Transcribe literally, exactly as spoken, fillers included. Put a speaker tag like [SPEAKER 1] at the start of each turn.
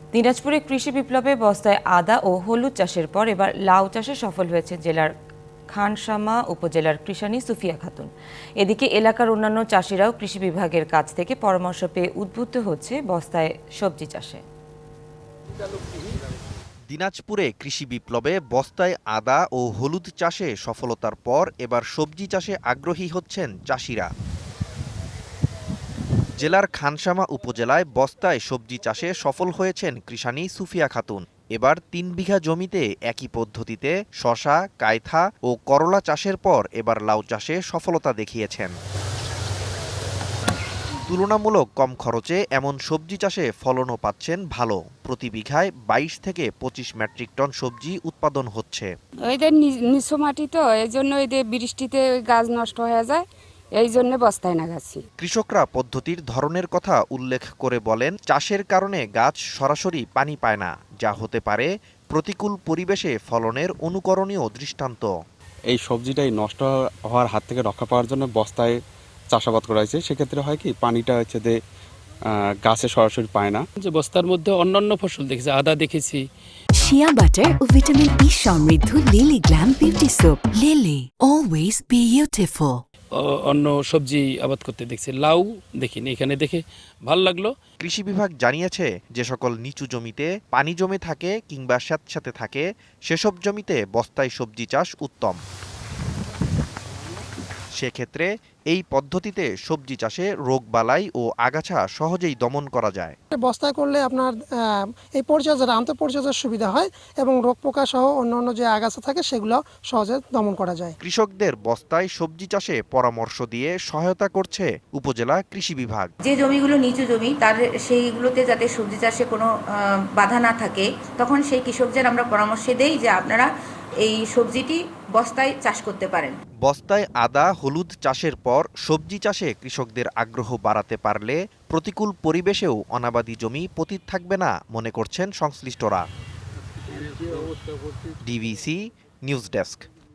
[SPEAKER 1] দিনাজপুরে কৃষি বিপ্লবে বস্তায় আদা ও হলুদ চাষের পর এবার লাউ চাষে সফল হয়েছে জেলার খানসামা উপজেলার কৃষানী সুফিয়া খাতুন। এদিকে এলাকার অন্যান্য চাষিরাও কৃষি বিভাগের কাছ থেকে পরামর্শ পেয়ে উদ্বুদ্ধ হচ্ছে বস্তায় সবজি চাষে।
[SPEAKER 2] দিনাজপুরে কৃষি বিপ্লবে বস্তায় আদা ও হলুদ চাষে সফলতার পর এবার সবজি চাষে আগ্রহী হচ্ছেন চাষিরা। জেলার খানসামা উপজেলায় বস্তায় সবজি চাষে সফল হয়েছেন কৃষানী সুফিয়া খাতুন। এবার তিন বিঘা জমিতে একই পদ্ধতিতে শশা, কায়থা ও করলা চাষের পর এবার লাউ চাষে সফলতা দেখিয়েছেন। তুলনামূলক কম খরচে এমন সবজি চাষে ফলনও পাচ্ছেন ভালো। প্রতি বিঘায় বাইশ থেকে পঁচিশ মেট্রিক টন সবজি উৎপাদন হচ্ছে।
[SPEAKER 3] ওইদের নিচু মাটি তো এই জন্য ওইদের বৃষ্টিতে গাছ নষ্ট হয়ে যায়, এই জন্য বস্তায় লাগাচ্ছি।
[SPEAKER 2] কৃষকরা পদ্ধতির ধরনের কথা উল্লেখ করে বলেন, চাষের কারণে গাছ সরাসরি পানি পায় না, যা হতে পারে প্রতিকূল পরিবেশে ফলনের অনুকরণীয় দৃষ্টান্ত।
[SPEAKER 4] এই সবজিটাই নষ্ট হওয়ার হাত থেকে রক্ষা পাওয়ার জন্য বস্তায় চাষাবাদ করা হয়েছে। সেক্ষেত্রে হয় কি, পানিটা হচ্ছে যে গাছে সরাসরি পায় না।
[SPEAKER 5] যে বস্তার মধ্যে অন্যান্য ফসল দেখেছি, আদা দেখেছি।
[SPEAKER 6] শিয়া বাটার ও ভিটামিন ই সমৃদ্ধ Lily glam beauty soap. Lily, always beautiful.
[SPEAKER 5] অন্য সবজি আবাদ করতে দেখছি, লাউ দেখিনি, এখানে দেখে ভালো লাগলো।
[SPEAKER 2] কৃষি বিভাগ জানিয়েছে, যে সকল নিচু জমিতে পানি জমে থাকে কিংবা স্যাঁতস্যাঁতে থাকে সেসব জমিতে বস্তায় সবজি চাষ উত্তম। সেক্ষেত্রে এই পদ্ধতিতে সবজি চাষে রোগবালাই ও আগাছা সহজেই দমন করা যায়।
[SPEAKER 7] বস্তায় করলে আপনার এই পরিচর্যার আন্তঃ পরিচর্যার সুবিধা হয় এবং রোগ পোকা সহ অন্যান্য যে আগাছা থাকে সেগুলো সহজে দমন করা যায়।
[SPEAKER 2] কৃষকদের বস্তায় সবজি চাষে পরামর্শ দিয়ে সহায়তা করছে উপজেলা কৃষি বিভাগ।
[SPEAKER 8] যে জমিগুলো নিচু জমি, তার সেইগুলোতে যাতে সবজি চাষে কোনো বাধা না থাকে, তখন সেই কৃষকদের আমরা পরামর্শ দেই যে আপনারা এই সবজিটি বস্তায় চাষ করতে পারেন।
[SPEAKER 2] বস্তায় আদা হলুদ চাষের পর সবজি চাষে কৃষকদের আগ্রহ বাড়াতে পারলে প্রতিকূল পরিবেশেও অনাবাদি জমি পতিত থাকবে না মনে করছেন সংশ্লিষ্টরা। DBC news desk.